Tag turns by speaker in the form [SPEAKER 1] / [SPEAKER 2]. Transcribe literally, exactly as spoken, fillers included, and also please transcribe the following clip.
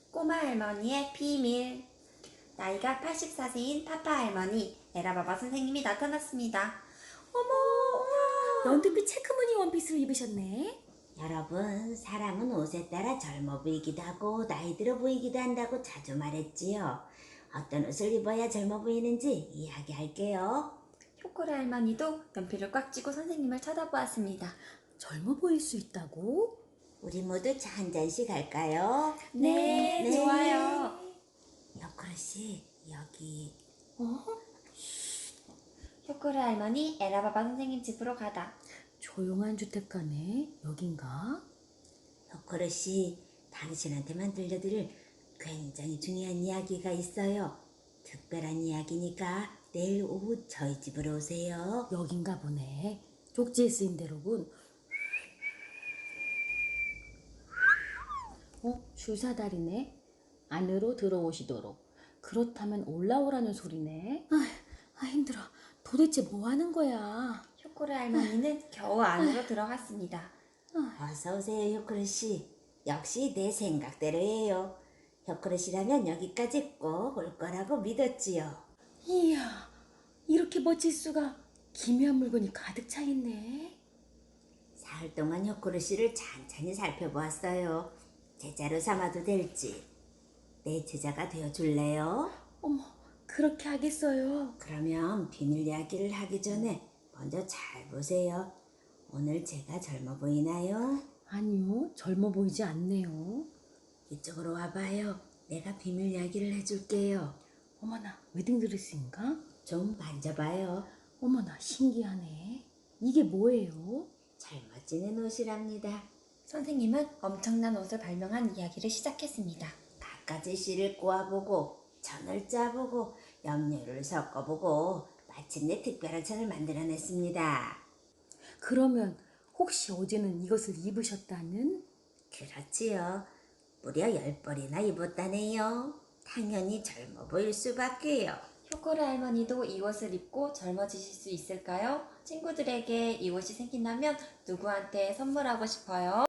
[SPEAKER 1] 꼬마 할머니의 비밀. 나이가 팔십사 세인 파파 할머니 에라바바 선생님이 나타났습니다. 어머,
[SPEAKER 2] 연두빛 체크무늬 원피스를 입으셨네.
[SPEAKER 3] 여러분, 사람은 옷에 따라 젊어 보이기도 하고 나이 들어 보이기도 한다고 자주 말했지요. 어떤 옷을 입어야 젊어 보이는지 이야기할게요.
[SPEAKER 1] 효코라 할머니도 연필을 꽉 쥐고 선생님을 쳐다보았습니다.
[SPEAKER 2] 젊어 보일 수 있다고?
[SPEAKER 3] 우리 모두 차 한 잔씩 할까요?
[SPEAKER 1] 네,
[SPEAKER 3] 네.
[SPEAKER 1] 좋아요.
[SPEAKER 3] 여코르 씨, 여기.
[SPEAKER 2] 어?
[SPEAKER 1] 효코라 할머니 에라바바 선생님 집으로 가다.
[SPEAKER 2] 조용한 주택가네. 여긴가?
[SPEAKER 3] 여코르 씨, 당신한테만 들려드릴 굉장히 중요한 이야기가 있어요. 특별한 이야기니까 내일 오후 저희 집으로 오세요.
[SPEAKER 2] 여긴가 보네. 쪽지에 쓰인 대로군. 어? 주사다리네. 안으로 들어오시도록. 그렇다면 올라오라는 소리네. 아, 아 힘들어. 도대체 뭐 하는 거야?
[SPEAKER 1] 효코라 할머니는 겨우 안으로 들어갔습니다.
[SPEAKER 3] 어서 오세요, 효코르 씨. 역시 내 생각대로예요. 효코르 씨라면 여기까지 꼭 올 거라고 믿었지요.
[SPEAKER 2] 이야, 이렇게 멋질 수가. 기묘한 물건이 가득 차 있네.
[SPEAKER 3] 사흘 동안 효코르 씨를 찬찬히 살펴보았어요. 제자로 삼아도 될지. 내 제자가 되어줄래요?
[SPEAKER 2] 어머, 그렇게 하겠어요.
[SPEAKER 3] 그러면 비밀 이야기를 하기 전에 먼저 잘 보세요. 오늘 제가 젊어 보이나요?
[SPEAKER 2] 아니요, 젊어 보이지 않네요.
[SPEAKER 3] 이쪽으로 와봐요. 내가 비밀 이야기를 해줄게요.
[SPEAKER 2] 어머나, 웨딩드레스인가?
[SPEAKER 3] 좀 만져봐요.
[SPEAKER 2] 어머나, 신기하네. 이게 뭐예요?
[SPEAKER 3] 젊어지는 옷이랍니다.
[SPEAKER 1] 선생님은 엄청난 옷을 발명한 이야기를 시작했습니다.
[SPEAKER 3] 갖가지 씨를 꼬아보고 천을 짜보고 염료를 섞어보고 마침내 특별한 천을 만들어냈습니다.
[SPEAKER 2] 그러면 혹시 어제는 이것을 입으셨다는?
[SPEAKER 3] 그렇지요. 무려 열 벌이나 입었다네요. 당연히 젊어 보일 수밖에요.
[SPEAKER 1] 효코라 할머니도 이 옷을 입고 젊어지실 수 있을까요? 친구들에게 이 옷이 생긴다면 누구한테 선물하고 싶어요?